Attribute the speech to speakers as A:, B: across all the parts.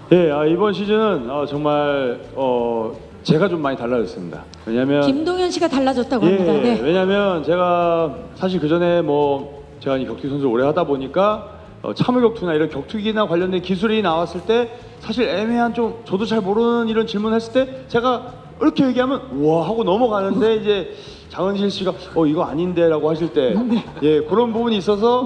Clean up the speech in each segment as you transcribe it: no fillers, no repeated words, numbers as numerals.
A: 예, 이번 시즌은 정말 제가 좀 많이 달라졌습니다. 왜냐면
B: 김동현 씨가 달라졌다고 합니다.
A: 예,
B: 네.
A: 왜냐면 제가 사실 그 전에 제가 이 격투기 선수를 오래 하다 보니까 참을 격투나 이런 격투기나 관련된 기술이 나왔을 때 사실 애매한 좀 저도 잘 모르는 이런 질문을 했을 때 제가 이렇게 얘기하면 우와 하고 넘어가는데 이제 장은실 씨가 이거 아닌데라고 하실 때 예, 그런 부분이 있어서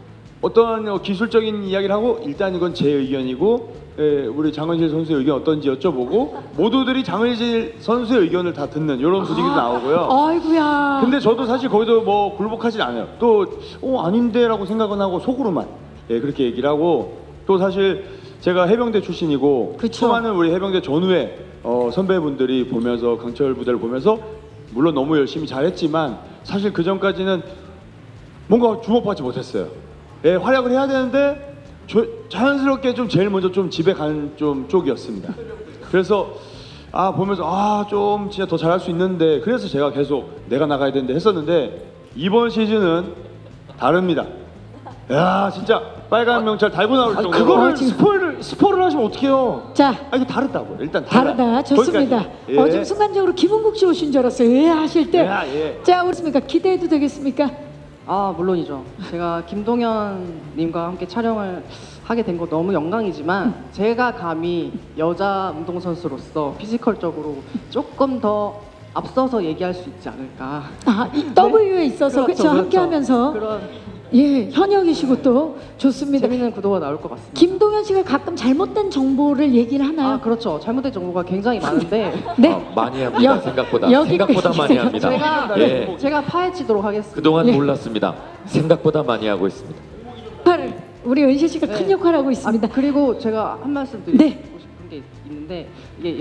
A: 어떤 기술적인 이야기를 하고 일단 이건 제 의견이고 예, 우리 장은실 선수의 의견 어떤지 여쭤보고 모두들이 장은실 선수의 의견을 다 듣는 이런 분위기도 나오고요.
B: 아이고야.
A: 근데 저도 사실 거기서 굴복하진 않아요. 또 아닌데라고 생각은 하고 속으로만 예, 그렇게 얘기를 하고 또 사실 제가 해병대 출신이고
B: 그쵸.
A: 수많은 우리 해병대 전후에 선배분들이 보면서 강철 부대를 보면서 물론 너무 열심히 잘했지만 사실 그 전까지는 뭔가 주목받지 못했어요. 예, 활약을 해야 되는데 자연스럽게 좀 제일 먼저 좀 집에 가는 좀 쪽이었습니다. 그래서 보면서 좀 진짜 더 잘할 수 있는데 그래서 제가 계속 내가 나가야 되는데 했었는데 이번 시즌은 다릅니다. 야 진짜 빨간 명찰 달고 나올 정도로
C: 그거를 스포를 하시면 어떡해요?
B: 자,
A: 이게 다르다고 일단
B: 다르다. 좋습니다.
A: 거기까지. 예.
B: 지금 순간적으로 김은국 씨 오신 줄 알았어요. 예 하실 때.
A: 예.
B: 자, 그렇습니까? 기대해도 되겠습니까?
D: 물론이죠. 제가 김동현님과 함께 촬영을 하게 된 거 너무 영광이지만 제가 감히 여자 운동선수로서 피지컬적으로 조금 더 앞서서 얘기할 수 있지 않을까.
B: 이 W에 있어서 그렇죠. 함께 하면서
D: 그런
B: 예, 현역이시고 또 좋습니다.
D: 재밌는 구도가 나올 것 같습니다.
B: 김동현 씨가 가끔 잘못된 정보를 얘기를 하나요?
D: 그렇죠. 잘못된 정보가 굉장히 많은데
B: 네.
E: 많이 합니다. 생각보다 많이 합니다.
D: 제가 파헤치도록 하겠습니다.
E: 그동안
B: 예.
E: 몰랐습니다. 생각보다 많이 하고 있습니다.
B: 우리 은실 씨가 큰 역할 하고 있습니다.
D: 그리고 제가 한 말씀 드리고
B: 네.
D: 싶은 게 있는데 이게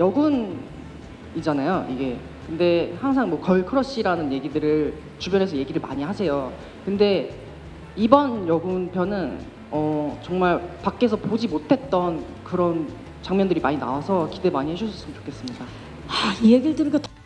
D: 여군이잖아요. 이게 근데 항상 걸크러쉬라는 얘기들을 주변에서 얘기를 많이 하세요. 근데 이번 여군 편은 정말 밖에서 보지 못했던 그런 장면들이 많이 나와서 기대 많이 해주셨으면 좋겠습니다.
B: 이 얘기를 들으니까